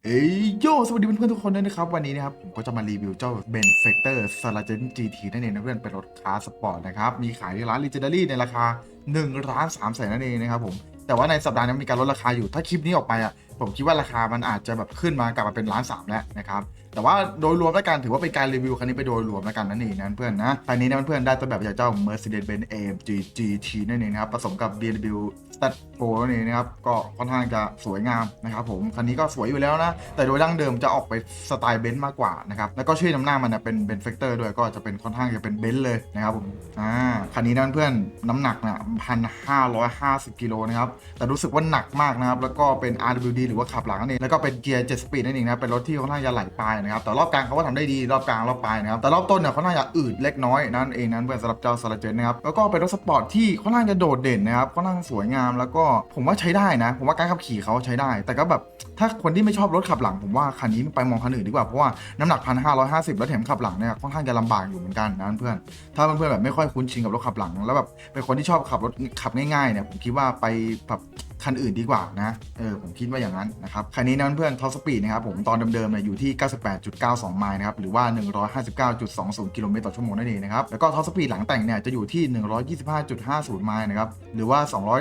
โยสวัสดีเพื่อนๆทุกคนด้วยนะครับวันนี้นะครับผมก็จะมารีวิวเจ้า Benefactor Sargent GT นั่นเองนะเพื่อนเป็นรถคาร์สปอร์ตนะครับมีขายที่ร้าน Legendary ในราคา1,300,000นั่นเองนะครับผมแต่ว่าในสัปดาห์นี้มีการลดราคาอยู่ถ้าคลิปนี้ออกไปอ่ะผมคิดว่าราคามันอาจจะแบบขึ้นมากลับมาเป็น1,300,000แล้วนะครับแต่ว่าโดยรวมแล้วกันถือว่าเป็นการรีวิวคันนี้ไปโดยรวมแล้วกันนั่นเองนะเพื่อนนะคันนี้นะเพื่อนๆได้ตัวแบบจากเจ้า Mercedes-Benz AMG GT นั่นเองนะครับผสมกับ BMW Stat Pro นั่นเองนะครับก็ค่อนข้างจะสวยงามนะครับผมคันนี้ก็สวยอยู่แล้วนะแต่โดยดั้งเดิมจะออกไปสไตล์เบนซ์มากกว่านะครับแล้วก็ชื่อนำหน้ามันเป็นเบนเฟกเตอร์ด้วยก็จะเป็นค่อนข้างจะเป็นเบนซ์เลยนะครับผมคันนี้นะเพื่อนน้ำหนักนะ1,550 กิโลนะครับแต่รู้สึกว่าหนักมากนะครับแล้วก็เป็น RWD หรือว่าขับหลังนั่นเองแล้วก็เป็นเกียร์7 สปีดนั่นเองนะเป็นรถที่ค่อนข้างจะไหลปลายนะครับแต่รอบกลางเขาก็ทำได้ดีรอบกลางรอบปลายนะครับแต่รอบต้นเนี่ยค่อนข้างจะอืดเล็กน้อยนั่นเองนะเพื่อนสำหรับเจ้า Sargent นะครับแล้วก็เป็นรถสปอร์ตที่ค่อนข้างจะโดดเด่นนะครับค่อนข้างสวยงามแล้วก็ผมว่าใช้ได้นะผมว่าการขับขี่เขาใช้ได้แต่ก็แบบถ้าคนที่ไม่ชอบรถขับหลังผมว่าคันนี้ไปมองคันอื่นดีกว่าเพราะว่าน้ำหนัก1,550แล้วแถมขับหลังเนี่ยค่อนข้างจะลำบากอยู่เหมือนกันนะเพื่อนถ้าเพื่อนๆแบบไม่ค่อยคุ้นชินกับรถขับหลังแล้วแบบเป็นคนที่ชอบขับรถขับง่ายๆเนี่ยผมคิดว่าไปแบบคันอื่นดีกว่านะผมคิดว่าอย่างนั้นนะครับคันนี้นะเพื่อนท็อปสปีดนะครับผมตอนเดิมๆเนี่ยอยู่ที่ 98.92 ไมล์นะครับหรือว่า 159.20 กิโลเมตรต่อชั่วโมงนั่นเองนะครับแล้วก็ท็อปสปีดหลังแต่งเนี่ยจะอยู่ที่ 125.50 ไมล์นะครับหรือว่า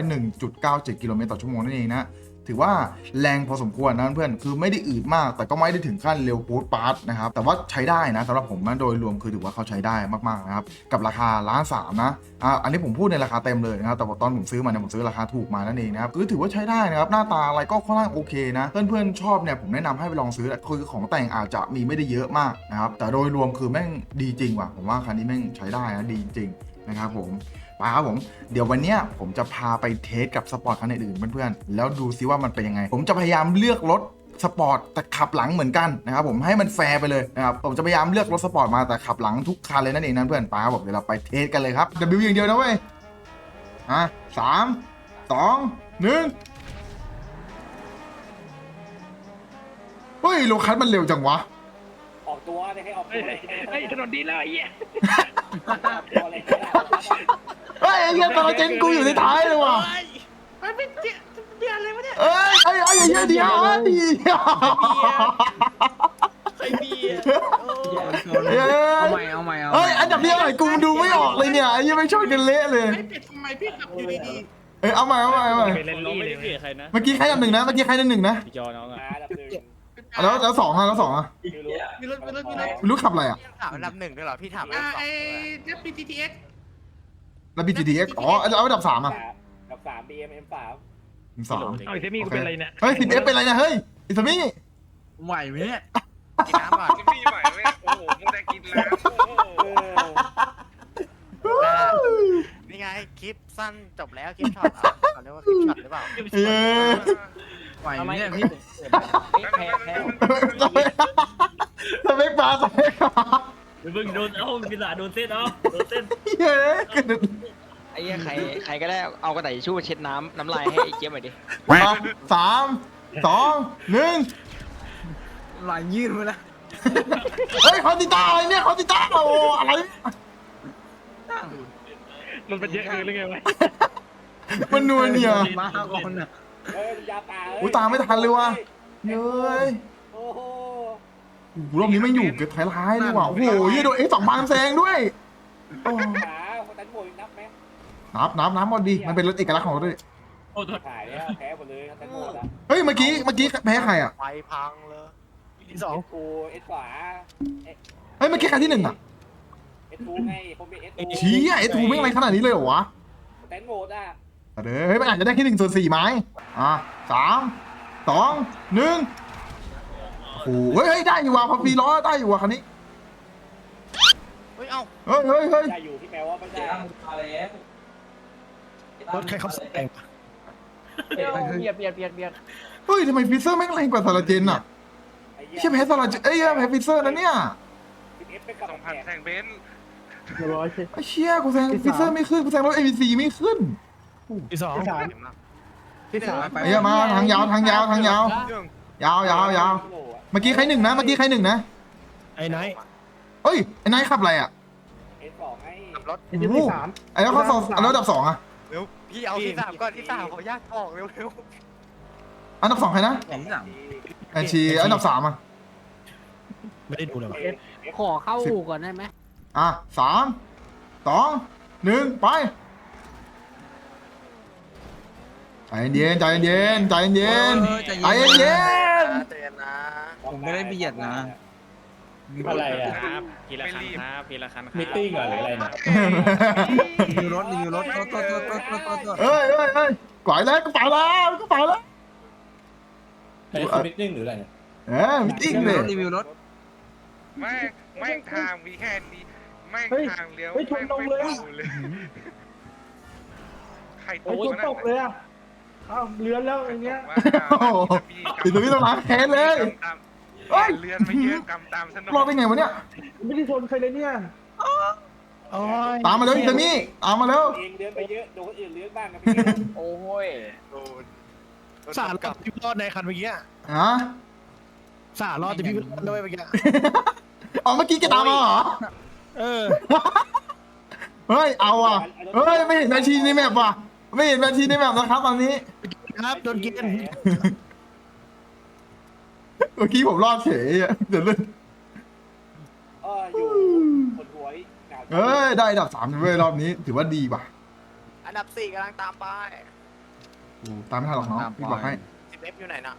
201.97 กิโลเมตรต่อชั่วโมงนั่นเองนะถือว่าแรงพอสมควรนะเพื่อนคือไม่ได้อืดมากแต่ก็ไม่ได้ถึงขั้นเร็วปู๊ดปาร์ตนะครับแต่ว่าใช้ได้นะสำหรับผมนะโดยรวมคือถือว่าเขาใช้ได้มากๆนะครับกับราคา1,300,000นะอันนี้ผมพูดในราคาเต็มเลยนะครับแต่ตอนผมซื้อมาเนี่ยผมซื้อราคาถูกมานั่นเองนะครับคือถือว่าใช้ได้นะครับหน้าตาอะไรก็ค่อนข้างโอเคนะเพื่อนๆชอบเนี่ยผมแนะนำให้ไปลองซื้อคือของแต่งอาจจะมีไม่ได้เยอะมากนะครับแต่โดยรวมคือแม่งดีจริงว่ะผมว่าคันนี้แม่งใช้ได้นะดีจริงนะครับผมครับผมเดี๋ยววันนี้ผมจะพาไปเทสกับสปอร์ตคันอื่นๆเพื่อนๆแล้วดูซิว่ามันเป็นยังไงผมจะพยายามเลือกรถสปอร์ตแต่ขับหลังเหมือนกันนะครับผมให้มันแฟร์ไปเลยนะครับผมจะพยายามเลือกรถสปอร์ตมาแต่ขับหลังทุกคันเลยนั่นเองนะเพื่อนครับผมเดี๋ยวเราไปเทสกันเลยครับ W อย่างเดียวนะเว้ย3 2 1เฮ้ยโลคัสมันเร็วจังวะออกตัวเลยให้ออกตัวเลยไอ้ถนนดีแล้วไอ้เหี้ยตัวเลยเฮ้ยไอ้เหี้ยตอนเจนกูอยู่ในท้ายเลยว่ะมันเป็นเบียร์อะไรวะเนี่ยเอ้ยไอ้เหี้ยเดียวไอ้เบียร์เอาใหม่เฮ้ยอันดับเดียวไอ้กูดูไม่ออกเลยเนี่ยไอ้เหี้ยไม่ชนกันเละเลยไอ้เป็ดทำไมพี่ขับอยู่ดีเอาใหม่เป็นเล่นลี่เลยใครนะเมื่อกี้ใครอันดับหนึ่งนะพี่จอน้องอ่ะแล้วสองอ่ะมีรถไม่รู้ขับอะไรอ่ะถามอันดับหนึ่งด้วยเหรอพี่ถามอันดับสองไอ้เจ้า PTTX แล้ว BGTX อ๋อแล้วอันดับ3อ่ะอันดับ3 BM3 3 เอาไอ้เซมี่กูเป็นอะไรเนี่ยเฮ้ย10Fเป็นอะไรนะเฮ้ยอิสมี่ไหวไหมเนี่ยกินน้ำก่อนพี่ไหวไหมโอ้โหมึงได้กินแล้วนี่ไงคลิปสั้นจบแล้วคลิปช็อตเขาเรียกว่าคลิปช็อตหรือเปล่าไหวไหมเนี่ยพี่แพ้สเปกปลามึงโดนพี่สาโดนเส้นเฮ้ยไอ้เหี้ยใครก็ได้เอากระดาษทิชชู่เช็ดน้ำลายให้ไอ้เจี๊ยบหน่อยดิ 3 2 1 ลายยืดมาแล้วเฮ้ยคอนติต้าอะไรเนี่ยคอนติต้าโอ้อะไรมันเป็นเยอะเกินหรือไงวะมันนัวเนี่ยมาก่อนนะยาป่าอุ้ยตามไม่ทันเลยว่ะเฮ้ยโอ้โหรอบนี้ไม่อยู่เก็บท้ายเลยว่ะโอ้โหยี่โดน2,000แซงด้วยขาตันโมยนับไหมน้ำหมดดีมันเป็นรถเอกลักษณ์ของรถด้วยโอ้โหถ่ายแล้วแพ้หมดเลยตันโมดอ่ะเฮ้ยเมื่อกี้แพ้ใครอ่ะไฟพังเลยที่2กูเอสขวาเฮ้ยเมื่อกี้ใครที่1อ่ะเอสทูไงผมเป็นเอสทูชี้เอสทูไม่อะไรขนาดนี้เลยเหรอวะตันโมดอ่ะเฮ้ยมันอาจจะได้แค่1/4ไม้3 2 1โอ้เฮ้ยได้อยู่ว่ะพอฟีล้อได้อยู่ว่ะคันนี้เฮ้ยเอ้าเฮ้ยได้อยู่ที่แปลว่าไม่ได้รถใครเขาแซงเบียดเฮ้ยทำไมฟิเซอร์แม่งแรงกว่าซาลาเจนอ่ะเชี่ยแพ้ซาลาเจนแพ้ฟิเซอร์นะเนี่ย 2,000แซงเบนซ์ไอ้เชี่ยกูแซงฟิเซอร์ไม่ขึ้นกูแซงรถ ABC ไม่ขึ้นที่3 ไอ้มาทางยาวเมื่อกี้ใคร1นะไอ้ไนท์เฮ้ยไอ้ไนท์ขับอะไรอ่ะ S2ไงขับรถไอ้แล้วเขา2แล้วอันดับ2อ่ะเร็วพี่เอาที่3ก่อนที่3เขายากออกเร็วอันดับ2ใครนะแอนชีอันดับ3อ่ะไม่ได้ดูเลยวะขอเข้าอู่ก่อนได้ไหมอ่ะ3 2 1ไปใจเย็นใจเย็นใจเย็นใจเย็นใจเย็นนะผมไม่ได้เบียดนะอะไรอ่ะครับทีละคันครับพีละคันมิทติ้งเหรอหรืออะไรเนี่ยรีวิวรถเอ้ยกวาดแล้วก็ไปแล้วอันนี้คือมิทติ้งหรืออะไรเนี่ยมิติ้งเลยไม่ทางมีแค่นี้ไม่ทางเลี้ยวใครตกตกเลยอ่ะเลือนแล้วอย่างเงี้ยติดตัวพี่ต้องล้างแค้นเลยเรือนไม่เยอะกำตามสนุกรอดได้ไงวะเนี่ยไม่ได้ชนใครเลยเนี่ยโอ้ยตามมาเร็วอิตามี่ตามมาเร็วเองเลี้ยงไปเยอะโดนคนอื่นเลี้ยงบ้างนะพี่โอ้ยสารกับพี่รอดในคันเมื่อกี้ฮะสารอดแต่พี่รอดด้วยเมื่อกี้อ๋อเมื่อกี้แกตามมาเหรอเออเฮ้ยเอาอ่ะเฮ้ยไม่เห็นแมชชีนในแมปว่ะไม่เห็นแมชชีนในแมปนะครับตอนนี้ครับโดนกินเมื่อกี้ผมรอดเฉยอะเดี๋ยวเล่นอยู่คนหัวหนาวเอ้ยได้อันดับ3เว้ยรอบนี้ถือว่าดีว่ะอันดับ4กำลังตามไปโอ้ตามไม่ทันหรอกเนาะพี่บอกให้ 10F อยู่ไหนน่ะ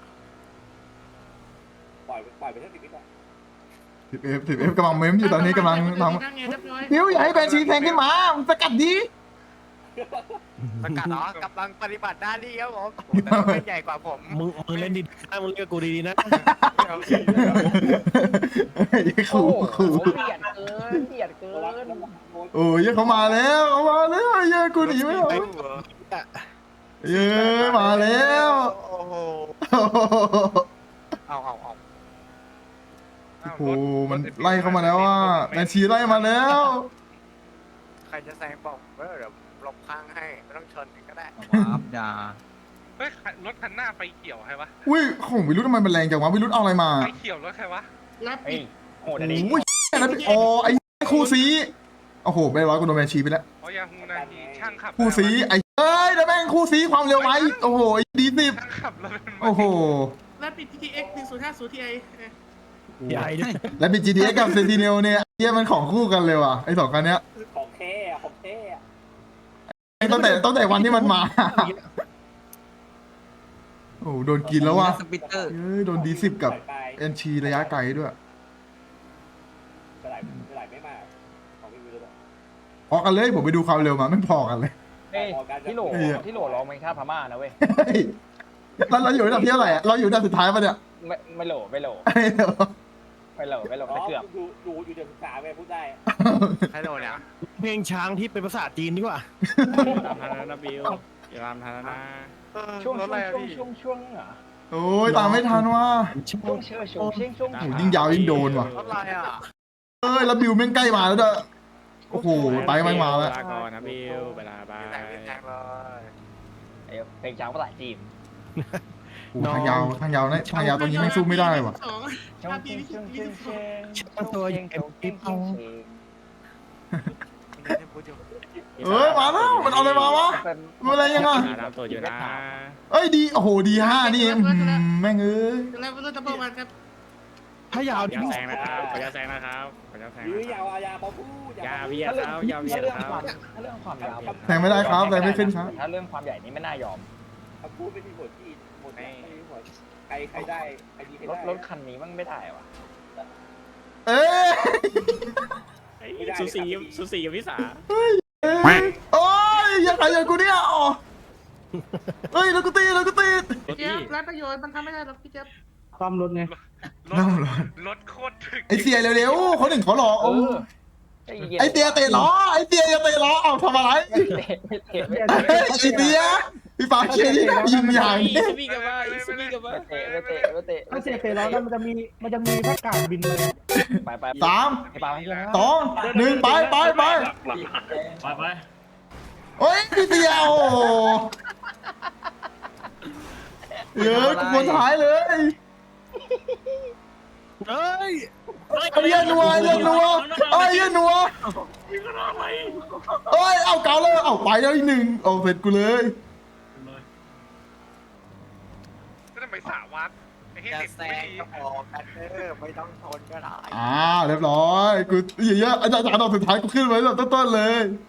ปล่อยไปทั้ง10 วิก่อน 10F กำลังเมมอยู่ตอนนี้กำลังทำนิ้วอย่าให้แบนชีแทงขึ้นมามึงสกัดดีประกาศเหรอกำลังปฏิบัติหน้าที่ครับผมแต่เป็นใหญ่กว่าผมมึงเล่นดีนะมึงเล่นกับกูดีๆนะขู่เบียดเกินโอ้ยเขามาแล้วเย้กูหนีไม่ออกเย้มาแล้วโอ้โหเอาโอ้โหมันไล่เข้ามาแล้วอ่ะแมนชีไล่มาแล้วใครจะแซงบอกเดี๋ยวหลบข้างให้ไม่ต้องชนก็ได้เฮ้ยรถคันหน้าไฟเขียวใครวะอุ้ยของวิรุธทำไมมันแรงจังวะวิรุธเอาอะไรมาไฟเขียวรถใครวะเฮ้ยโหดโอ้อันนี้ยนะพี่โอ้ไอ้คู่ซีโอ้โหไปร้อยกูโดนแมนชีไปแล้วอ๋อยาฮูนาทีช่างขับคู่ซีไอ้เอ้ยแล้วแม่งคู่ซีความเร็วไว้โอ้โหดีสิบช่างขับรถเป็นโอ้โหแล้วปิด GTX 1050 Ti ใหญ่ด้วยแล้วเป็น GTX กับ Sentinel เนี่ยเฮียมันของคู่กันเลยว่ะไอ้สองคันเนี้ยของแท้ของแท้ตั้งแต่วันที่มันมาโอ้โหโดนกินแล้วว่ะเฮ้ยโดนD10กับ เอ็นชีระยะไกลด้วยเท่าไหร่ไม่มากของพี่วิรุธพอกันเลยผมไปดูความเร็วมาไม่พอกันเลยเฮ้ยที่โหลร้องเพลงชาติพม่านะเว้ยเฮ้ยแล้วเราอยู่อันดับที่เท่าไหร่อะเราอยู่อันดับสุดท้ายปะเนี่ยไม่โหลแต่เกือบดูอยู่เดือน13ไปพูดได้ใครโดนเนี่ยเพลงช้างที่เป็นภาษาจีนดีกว่าตามทันแล้วนะบิวอย่าตามทันแล้วนะช่วงรถอะไรอะพี่เหรอโอ้ยตามไม่ทันว่ะช่วงเชื่อช่วงเชื่อโอ้ยิ่งยาวยิ่งโดนว่ะรถอะไรอ่ะเอ้ยแล้วบิวแม่งใกล้มาแล้วเด้อโอ้โหไปไม่มาแล้วลาก่อนนะบิวเวลาบายแต่งเลยเพลงช้างภาษาจีนโอ้โหทางยาวนะทางยาวตรงนี้ไม่สู้ไม่ได้ว่ะช่วงช่างตัวใหญ่ปิ๊บเอาเอ้ยมาแล้วมันเอาอะไรมาวะมันอะไรยังไงตามตัวอยู่นะเอ้ยดีโอ้โหดี5นี่แม่งเอ้ยแล้วก็จะประมาณครับถ้ายาวอย่าแซงนะครับอย่าแซงนะครับอย่าแซงยื้อยาวอายาพอพูดอย่าเบียดครับอย่าเบียดครับถ้าเรื่องความยาวแทงไม่ได้ครับแทงไม่ขึ้นครับถ้าเรื่องความใหญ่นี้ไม่น่ายอมคำพูดไม่มีผลที่หมดไม่มีผลใครได้ใครดีใครได้รถคันนี้มันไม่ได้ว่ะเอ้ยสูสีกับพี่สาโอ้ยอย่าใครอย่างกูเนี่ยอ๋อเฮ้ยแล้วกูตีเจี๊ยบร้านประโยชน์มันทำไม่ได้หรอกพี่เจี๊ยบความรถไงรถโคตรถึกไอเสียเร็วๆเขาหนึ่งเขารอไอเตียเตะล้อไอเตียอย่าเตะล้อเอาทำอะไรไอเตียพี่ปาเชียร์ที่ยิงอย่างนี้มีกันว่ามีกันว่าถ้าเสียเตะล้อแล้วมันจะมีแค่กาดบินเลยไป 3 ไป 2 1ไปโอ้ยพี่เตียโอ้เยอะคนท้ายเลยเฮ้ยไอ้เหี้ยนัวเอ้ยเอาเก่าเลยเอาไปแล้วอีกหนึ่งเอาเสร็จกูเลยก็ทำไมสาวัดไอ้เฮจะแซงก็บอกกันไม่ต้องชนก็ได้เรียบร้อยกูอย่างเงี้ยอาจารย์ดอกสุดท้ายกูขึ้นไว้แบบต้นๆเลย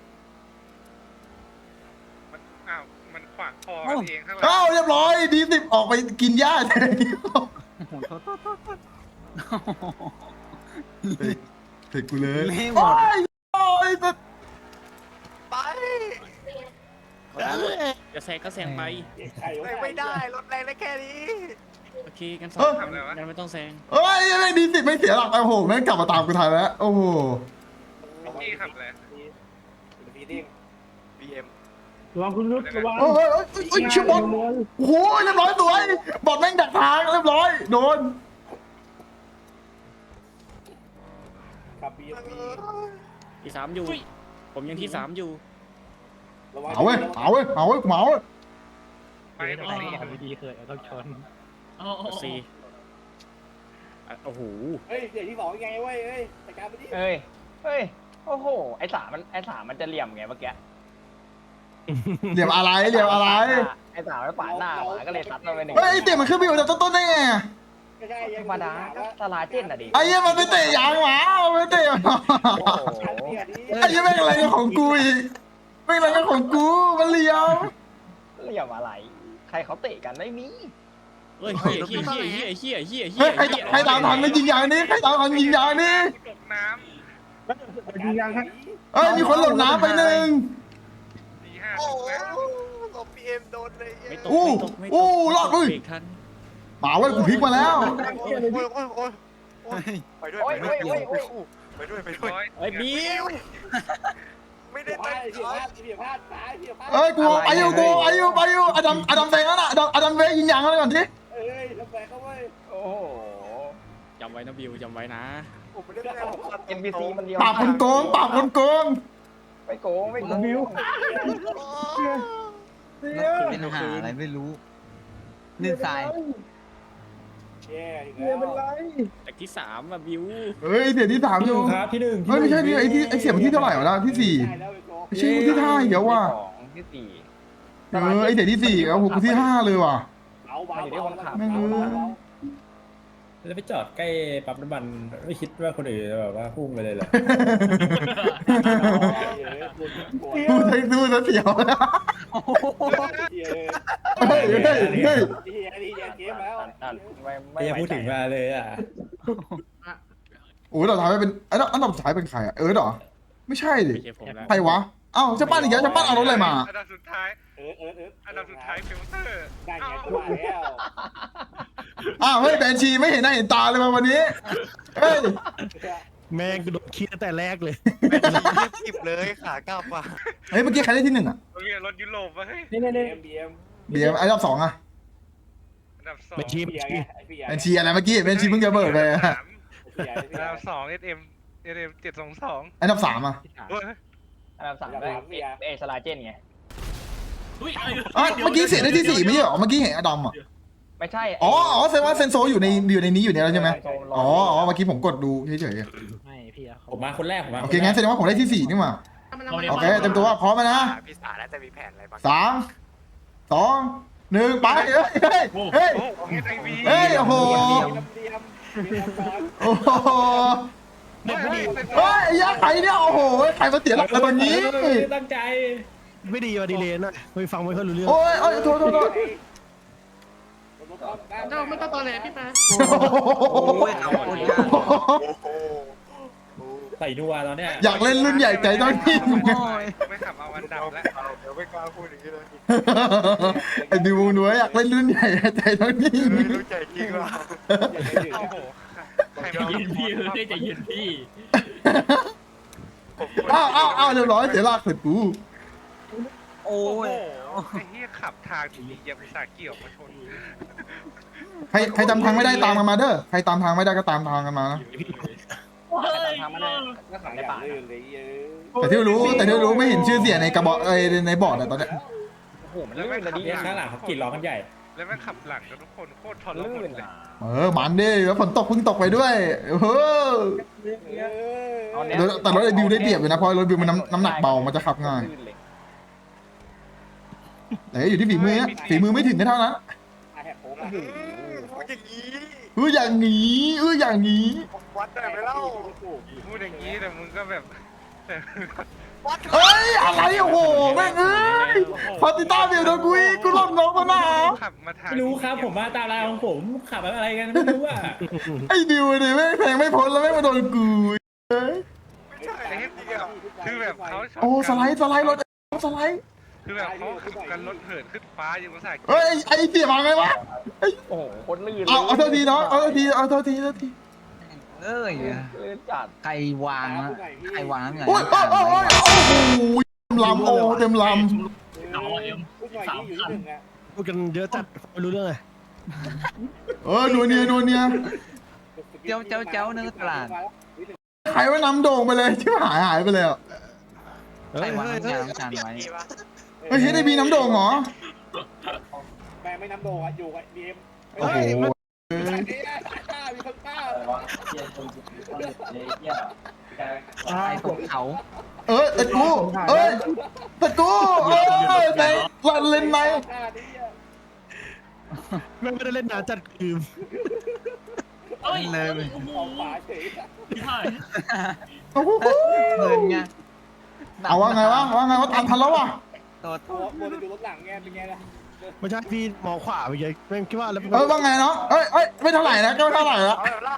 มันอ้าวมันขวางคอกันเองข้างหลังเรียบร้อยD10ออกไปกินหญ้าเลยโอ้โหโทษเสร็จกูเลยเละหมโอ้ดยโอ้ยไปจะแซงก็แซงไปไข่ไม่ได้รถแรงได้แค่นี้โอเคกันสองกันไม่ต้องแซงเอ้ยแม่งD10ไม่เสียหลักโอ้โหแม่งกลับมาตามกูทันแล้วโอ้โหพี่ขับเลยฟีดิ้ง BM ระวังคุณรุดระวังโอ้ยชิบบอลโอ้โหเรียบร้อยสวยบอลแม่งดักทางเรียบร้อยโดนขับ BMP ที่3อยู่ ผมยังที่3อยู่ระวังเอาเว้ยเหมาเว้ยไปเหมาเว้ยตรงนี้ดีเคยต้องชนสี่โอ้โหเฮ้ยเดี๋ยวที่สองยังไงเว้ยเฮ้ยจัดการไปดิเฮ้ยโอ้โหไอ้สามมันจะเหลี่ยมไงเมื่อกี้เหลี่ยมอะไรเหลี่ยมอะไรไอ้สามมันปาดหน้าหมาก็เลยซัดมาไปหนึ่งเฮ้ยไอ้เตะมันขึ้นไปอยู่แต่ต้นๆได้ไงไม่ใช่ธรรมดาก็สลาเจนอ่ะดิไอ้เหี้ยมันไปเตะยางหมามันไปเตะโอ้โหไอ้เหี้ยแม่งอะไรของกูอีกแม่งอะไรของกูมันเหลี่ยมเหลี่ยมอะไร ใครเขาเตะกันไม่มีเฮ้ยเฮียเฮียเฮียเฮียเฮียเฮีเฮ้ยยใครตามทันไม่ยิงยางนี้ใครตามทันยิงยางนี้ตกน้ยิงยังครับเฮ้ยมีคนหล่นน้ำไปหนึ่งำดีห้าโอ้ตกน้ตบ BM โดนเลยไม่ตกอู้ไม่ตกไม่ตกอู้รอดเว้ยเบรกทันหมาเว้ยกูพลิกมาแล้วไปด้วยไปด้วยไปด้วยไปำด้วยร้อยเฮ้ยบิวไม่ได้เดี๋ยวพลาตั้ดงใจเดี๋ยวพลาดตายเดี๋ยวพลาดเอ้ยกูไปอยู่อดัมเฟงแล้วน่ะอดัมเฟงยิงยางแล้วก่อนทีเอ้ยลำแบกเขาเว้ยโอ้โหจำไว้นะบิวจำไว้นะผมไม่ได้ตั้งใจผมขับ NPC มันเดียวปราบคนโกงปราบคนโกงไม่โกงไม่โกงบิวเป็นหาอะไรไม่รู้ลื่นทรายแย่อีกเฮีแล้ยว เป็นไรจากที่3บิวเฮ้ยเสียที่3อยู่ครับที่หนึ่งเฮ้ยไม่ใช่นี่ไอ้เสียมันที่เท่าไหร่วะล่ะที่4 ได้แล้วไอ้โกไม่ใช่กูที่5เดี๋ยวว่ะที่สี่ไอ้เสียที่4แล้วผมกูที่5เลยว่ะเอาเบาแม่งเอ้ยแล้วไปจอดใกล้ปั๊มน้ำมันไม่คิดว่าคนอื่นจะแบบว่าพุ่งไปเลยเหรอดูซะเสียวนะเฮ้ยเกมแล้วไม่อยากพูดถึงมาเลยอ่ะโอ้ยเราทำให้เป็นอันดับสุดท้ายเป็นใครอ่ะเหรอไม่ใช่ดิไม่ใช่ผมแล้วใครวะเอ้าจะปั้นอีกแล้วจะปั้นเอารถอะไรมาอันดับสุดท้ายอันดับสุดท้ายฟิลเตอร์ได้ไงกูว่าแล้วอ้าวเฮ้ยแบนชีไม่เห็นหน้าเห็นตาเลยมาวันนี้เฮ้ยแม่งกูโดนคิดตั้งแต่แรกเลยเรียบกิบเลยขากลับว่ะเฮ้ยเมื่อกี้ใครได้ที่1อ่ะเรียนรถยุโรปวะเฮ้ยนี่เบียมเบียร์อันดับ2อ่ะอันดับ2 เป็นทีมเบียไงไอ้เบียแบนชีอะไรเมื่อกี้แบนชีเพิ่งจะเบิดไปอันดับ2 SM 722 อันดับ3อ่ะอันดับสามเอสลาเจนไงเมื่อกี้เสียได้ที่4ไม่ใช่หรอเมื่อกี้เห็นอดัมอ่ะไม่ใช่อ๋อแสดงว่าเซนโซอยู่ในนี้อยู่เนี่ยแล้วใช่ไหมอ๋อเมื่อกี้ผมกดดูเฉยไม่พี่ผมมาคนแรกผมมาๆโอเคงั้นแสดงว่าผมได้ที่4นี่หว่าโอเคเต็มตัวพร้อมไหมนะพี่สาน่าจะมีแผนอะไรบ้าง 3 2 1ไปเฮ้ยโอ้HIV เฮ้ยโอ้โหเบียมก่อนโอ้โหเฮ้ยยักษ์ไข่เนี่ยโอ้โหใครมาเสียหลักตอนนี้ตั้งใจไม่ดีว่ะดีเลนอ่ะไม่ฟังไม่ค่อยรู้เรื่องโอ้ยโทษเจ้าไม่ต้องตอแหลพี่ปาใส่ดัวตอนเนี้ยอยากเล่นรุ่นใหญ่ใจต้องนิ่งไม่ขับเอาอันดับแล้วเดี๋ยวไม่กล้าพูดอย่างนี้เลยไอ้ดิวหนูอยากเล่นรุ่นใหญ่ใจต้องนิ่งรู้ใจจริงว่ะโอ้โหใครใจมาเย็นพี่ใจเย็นพี่อ้าวเรียบร้อยเสียหลักเสร็จกูโอ้ยไอ้เหี้ยขับทางดีๆยังอุตส่าห์เกี่ยวมาชนใครจำทางไม่ได้ตามกันมาเด้อใครตามทางไม่ได้ก็ตามทางกันมานะทำมาได้ก็ขับในอย่าป่าลื่นเลยเยอะแต่ที่รู้ไม่เห็นชื่อเสียในกระบอกในบอร์ดอะตอนเนี้ยโอ้โหมันลื่นเลยดิเนี่ยข้างหลังเขากรีดร้องกันใหญ่แล้วแม่งขับหลังกันทุกคนโคตรทรมานลื่นเลยอ่ะมันดิแล้วฝนตกเพิ่งตกไปด้วยแต่รถไอ้บิวได้เปรียบอยู่นะเพราะรถบิวมันน้ำหนักเบามันจะขับง่ายแต่อยู่ที่ฝีมือไม่ถึงก็เท่านั้นแหกโค้งพูดอย่างนี้อย่างนี้วัดได้ไหมเล่าพูดอย่างนี้แต่มึงก็แบบแต่เอ้ยอะไรโอ้โหแม่งเอ้ยพอติต้าเบียดโดนกูอีกกูหลบน้องมาหนาวขับมาทางไม่รู้ครับผมมาตามรายของผมขับอะไรกันไม่รู้อ่ะไอ้ดิวดิแม่งแทงไม่พ้นแล้วแม่งมาโดนกูเอ้ยไม่ใช่ไอ้เหี้ยคือแบบเขาชอบโอ้สไลด์รถสไลด์คือแบบเขาขับกันรถเหินขึ้นฟ้าอยู่ภาษาเฮ้ยไอ้เสียมาไงวะโอ้โหคนลื่นเอาโทษทีน้องเอาโทษทีเอ้ยลื่นจัดใครวางอะใครวางไงโอ้ยโอ้ยโอ้โหลำโอ้เต็มลเอาเอ็มพูดหน่อยที่อยู่ที่หนึ่งอ่ะพูดกันเยอะจัดไม่รู้เรื่องเลยำนัวเนียเจ้าเนื้อตลาดใครว่านำโด่งไปเลยที่หายไปเลยอ่ะใครวางน้ำยาล้างจานไว้เฮ้ยเฮ้ยได้บีน้ำโด่งเหรอแม่ไม่น้ำโดอ่ะอยู่กับบีเอ็มโอ้โหมีคนกล้าใครตกเขาแต่กูในรันเลนในแม่งไม่ได้เล่นนานจัดคือเอ้ยเลยโอ้โหเอาฝาเฉยพี่ถ่ายโอ้โหเงินไงเอาว่าไงวะตามทันแล้ววะตัวตัวจะดูรถหลังไงเป็นไงล่ะไม่ใช่พี่มองขวาไปเลยแม่งคิดว่าแล้วว่าไงเนาะไม่เท่าไหร่นะก็ไม่เท่าไหร่ละ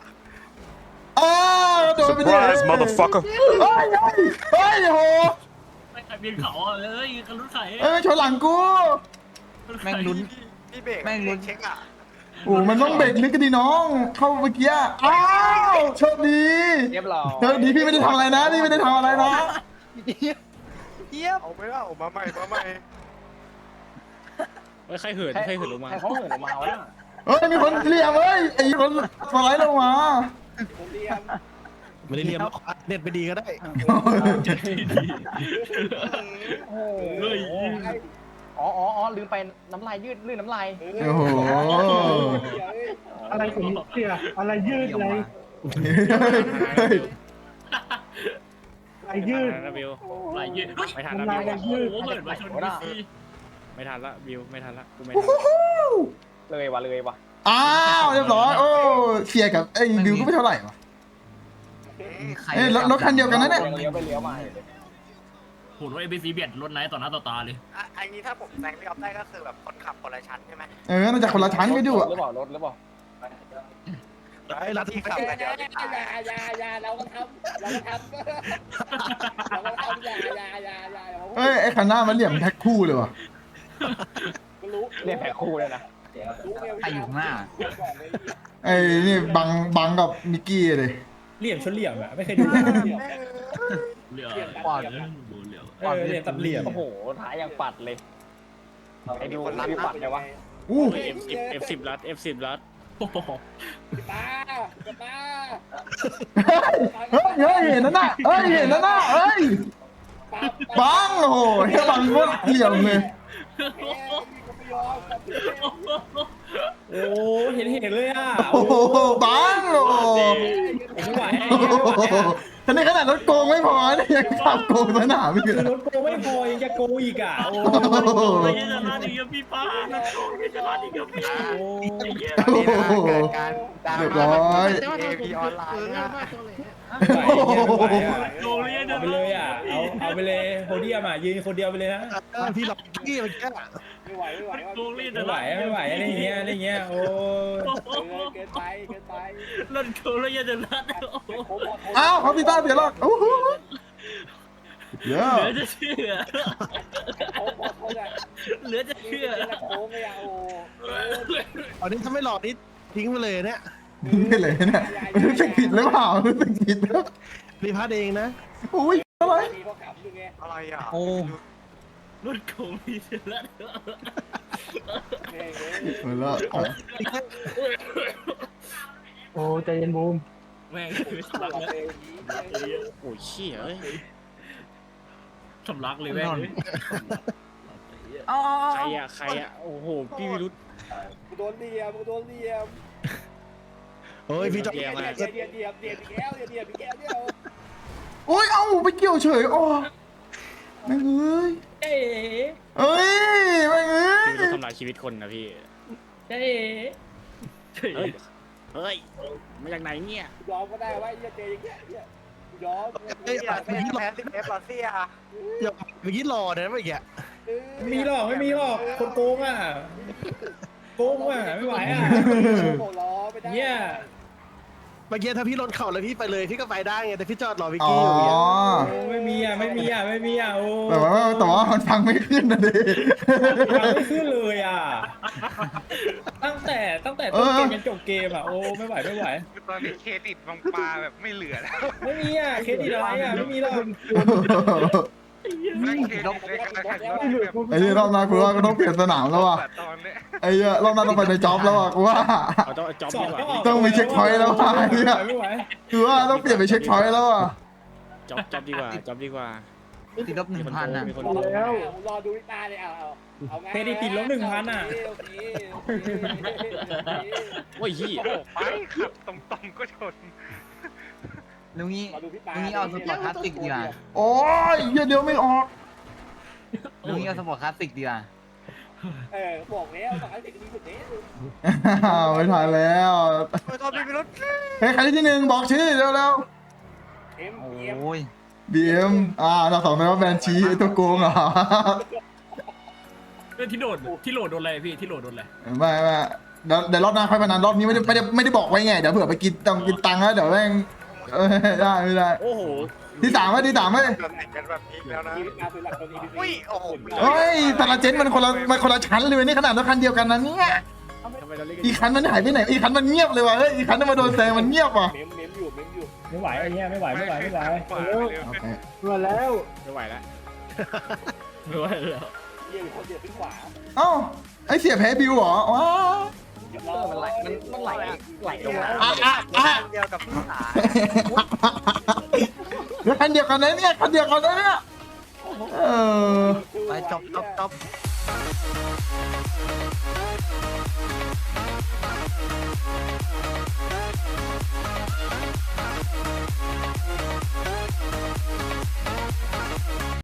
โดนไปดิ motherfucker เฮ้ยโหไม่ใครเบียนเขาอ่ะเอ้ยกันรุ่นไข่ชนหลังกูแม่งลุ้นพี่เบรกแม่งลุ้นเช็คอ่ะโอ้มันต้องเบรกลึกกันดิน้อง เข้าเมื่อกี้อ้าวโชคดีเรียบร้อยโชคดีพี่ไม่ได้ทำอะไรนะพี่ไม่ได้ทำอะไรนะเอาไม่ว่ามาใหม่มาใหม่ใครเหินลงมาใครเขาเหินออกมาวะมีคนเหลี่ยมไอ้คนสไลด์ลงมาคนเรียมไม่ได้เรียนเน็ตไปดีก็ได้เฮ้ยอ๋อลืมไปน้ำลายยืดลื่นน้ำลายโอ้โหอะไรผมเสียอะไรยืดอะไร อะไรยืดนะบิวไหลยืดไม่ทันละบิวโอ้โหเหินมาชนพี่ไม่ทันละบิวไม่ทันละกูไม่ทันเลยวะอ้าวเรียบร้อยโอ้เชียร์กับไอ้บิวก็ไม่เท่าไหร่วะใครรถคันเดียวกันนะเนี่ยเลี้ยวไปเลี้ยวมาโหรถเอ c เบียดรถไหนต่อหน้าต่อตาเลยไอ้นี้ถ้าผมแซงพี่ออฟได้ก็คือแบบคนขับคนละชั้นใช่ไหมน่าจะคนละชั้นกันอยู่อ่ะหรือเปล่ารถหรือเปล่าไอ้รัฐที่ขับกันเดี๋ยวที่ถ่ายอย่าเราก็ทำอย่าไอ้คันหน้ามันเหลี่ยมแท็กคู่เลยว่ะรู้เรียกแผลคู่เลยนะใครอยู่ข้างหน้าไอ้นี่บังกับมิกกี้เลยเหลี่ยมชนเหลี่ยมอ่ะไม่เคยดูเหลือเหลี่ยมตับเหลี่ยมโอ้โหท้ายยังปัดเลยไอ้ดูพี่ปัดเลยวะอู้ F10 รัด F10 รัดโอ้โหตาเฮ้ยเห็นนั่นน่ะบังโอ้โหแค่บังก็เหลี่ยมเลยโอ้เห็นเลยอ่ะโอ้โหบังโอ้โหไม่ไหวท่านนี้ขนาดรถโกงไม่พอเนี่ยยังขับโกงสนามอีกคือเหรรอถโกงไม่พอยังจะโกงอีกอ่ะโอ้ไม่ใช่จะรัดอีกพี่ป้าไม่ใช่รัดอีกพี่โอ้โหเกิดการดราเรียบม่าร้อยเอพีออนไลน์นะโกงเลยเอาไปเลยอ่ะเอาไปเลยโพเดียมอ่ะยืนคนเดียวไปเลยนะพี่หลอกกี้มันแค่ไม่ไหวโกงเลยไม่ไหวอะไรเงี้ยโอ้เกินไปรถโกงเลยจะรัดอ้าวเขาตีต้าเสียหรอกโอ้โหเยอะเหลือจะเชื่อเหลือจะเชื่อโค้งเลยอ่ะโอ้อันนี้ถ้าไม่หลอกนี่ทิ้งไปเลยเนี่ยนี่เลยเนี่ยรู้สึกผิดหรือเปล่ารู้สึกผิดแล้วรีพาร์ตเองนะอุ้ยอะไรมีพวกขับอยู่ไงอะไรอ่ะโอ้รถโกงเลยจะรัดหมดแล้วโอ้ใจเย็นบูมแม่งไม่สำลักเลยโอ้ยเชี่ยเอ้ยสำลักเลยแม่งเอาใครอ่ะโอ้โหพี่วิรุธกูโดนเดียมโอ้ยพี่จอเดียบอีกแล้วเนี่ยโอ้ยเอ้าไปเกี่ยวเฉยอ๋อแม่งเอ้ยเอ๊เอ้ยแม่งเอ้ยพี่วิรุธทำลายชีวิตคนนะพี่ใจจ๊เฮ้ยเฮ้ยมาจากไหนเนี่ยยอมก็ได้ว่าเจอย่างเงี้ยยอมเฮ้ยแพ้10F รอเซียอย่าเมื่อกี้หล่อนะเมื่อกี้ไม่มีหรอกไม่มีหรอกคนโกงอ่ะโกงอ่ะไม่ไหวอ่ะรอไม่ได้เนี่ยเมื่อกี้ถ้าพี่ลดเข่าแล้วพี่ไปเลยพี่ก็ไปได้ไงแต่พี่จอดรอวิกอ๋อกี้อยู่อย่างเงี้ยโอ้ไม่มีอ่ะไม่มีอ่ะไม่มีอ่ะโอ้แต่ว่ามันฟังไม่ขึ้นนะดิยังไม่ขึ้นเลยอ่ะตั้งแต่ต้นเกมจนจบเกมอ่ะโอ้ไม่ไหวไม่ไหวตอนนี้เครดิตบางปลาแบบไม่เหลือแล้วไม่มีอ่ะเครดิตอะไรอ่ะไม่มีหรอกไม่เครดิตในการแข่งรถแบบไอ้เนี่ยรอบหน้ากูว่าก็ต้องเปลี่ยนสนามแล้วว่ะตอนเนี้ยไอ้เนี่ยรอบหน้าต้องไปในจ็อบแล้วว่ะกูว่าเอาต้องจ็อบสอดีบกว่าก็ออกต้องไปเช็คพอยต์แล้วว่ะไอ้เนี่ยไม่ไหวคือว่าต้องเปลี่ยนไปเช็คพอยต์แล้วอ่ะจ็อบดีกว่าจ็อบดีกว่าติดลบ 1,000 อ่ะมีคนรโกงอดูวิตาเลยเอาไงเครดิตติดลบ1,000อ่ะโอ้ยยี่โอ้โหไปขับตรงๆก็ชนลุงนี้เอาสปอร์ตคลาสสิกดีกว่าโอ้ยเหี้ยเดี๋ยวไม่ออกลุงนี้เอาสปอร์ตคลาสสิกดีกว่าบอกแล้วบอกให้เด็กมีสุดนี้ไม่ทันแล้วตอนมีพิรุษเฮ้ยใครที่หนึ่งบอกชื่อเร็วโอ้ยๆ BM เราสองคนว่าแบนชีไอ้ตัวโกงเหรอที่โหลดโดนอะไรพี่ที่โหลดโดนอะไรไม่เดี๋ยวรอบหน้าค่อยพนันรอบนี้ไม่ได้บอกไว้ไงเดี๋ยวเผื่อไปกินตังค์แล้วเดี๋ยวแม่งได้ไม่ได้โอ้โหที่สามไหมกันแบบนี้แล้วนะมีวิตาคือหลักตอนนี้อุ้ยโอ้โหเฮ้ยแต่ละเจนมันคนละชั้นเลยนี่ขนาดรถคันเดียวกันนะเนี่ยทำไมเราเรียกอีกคันมันหายไปไหนอีกคันมันเงียบเลยว่ะเฮ้ยอีกคันมาโดนแซงมันเงียบว่ะเมมอยู่ไม่ไหวไอ้เนี่ยไม่ไหวขวาไปเลยโอเคมาแล้วไม่ไหวแล้วไม่ไหวแล้วเยี่ยมเขาเดือดขึ้นขวาเอ้าไอเสียแพ้บิวเหรอว้ามันไหลลงมาเดียวกับพี่สายแล้วคันเดียวกันนะเนี่ยคันเดียวกันนะเนี่ยไปจบ